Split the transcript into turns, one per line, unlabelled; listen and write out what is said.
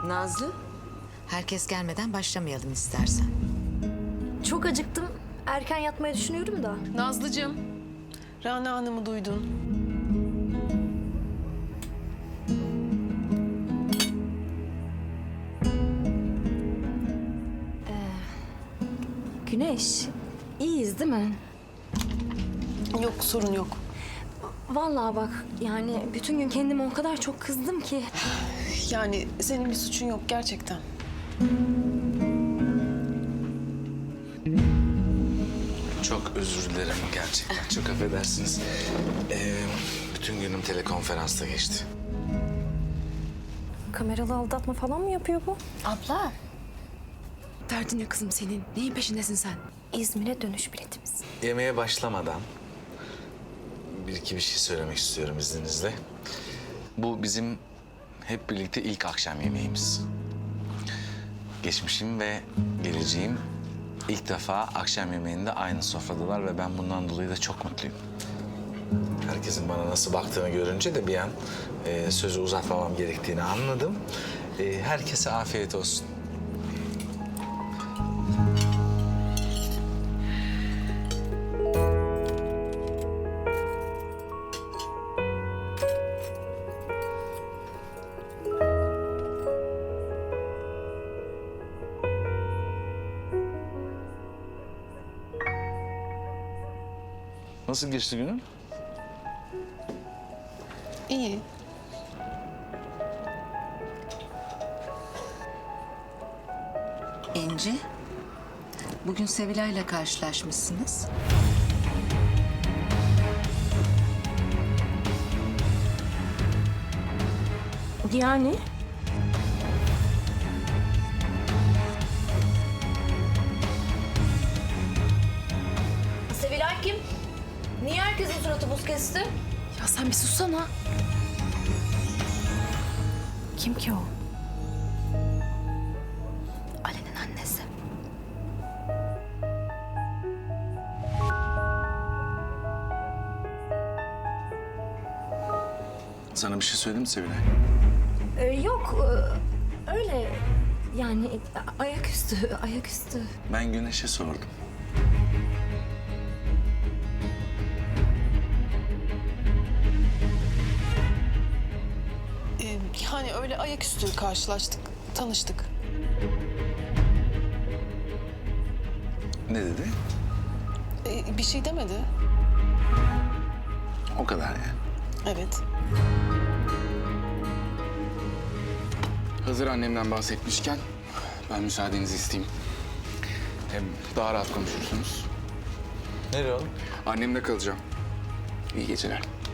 Nazlı, herkes gelmeden başlamayalım istersen.
Çok acıktım. Erken yatmayı düşünüyorum da.
Nazlıcığım, Rana Hanım'ı duydun.
Güneş, iyiyiz değil mi?
Yok, sorun yok.
Vallahi bak yani bütün gün kendime o kadar çok kızdım ki.
Yani senin bir suçun yok gerçekten.
Çok özür dilerim gerçekten. Çok affedersiniz. Bütün günüm telekonferansta geçti.
Kameralı aldatma falan mı yapıyor bu?
Abla. Derdin ne kızım senin? Neyin peşindesin sen?
İzmir'e dönüş biletimiz.
Yemeğe başlamadan bir şey söylemek istiyorum izninizle. Bu bizim hep birlikte ilk akşam yemeğimiz. Geçmişim ve geleceğim ilk defa akşam yemeğinde aynı sofradalar ve ben bundan dolayı da çok mutluyum. Herkesin bana nasıl baktığını görünce de bir an sözü uzatmamam gerektiğini anladım. Herkese afiyet olsun. Nasıl geçti günün?
İyi.
İnci, bugün Sevilay'la karşılaşmışsınız.
Yani?
Sevilay kim? Niye herkesin suratı buz kesti?
Ya sen bir sussana.
Kim ki o?
Ali'nin annesi.
Sana bir şey söyledim mi Sevilay?
Yok, öyle yani ayaküstü, ayaküstü.
Ben Güneş'e sordum.
Yani öyle ayaküstü karşılaştık, tanıştık.
Ne dedi?
Bir şey demedi.
O kadar yani.
Evet.
Hazır annemden bahsetmişken ben müsaadenizi isteyeyim. Hem daha rahat konuşursunuz.
Nereye oğlum?
Annemle kalacağım. İyi geceler.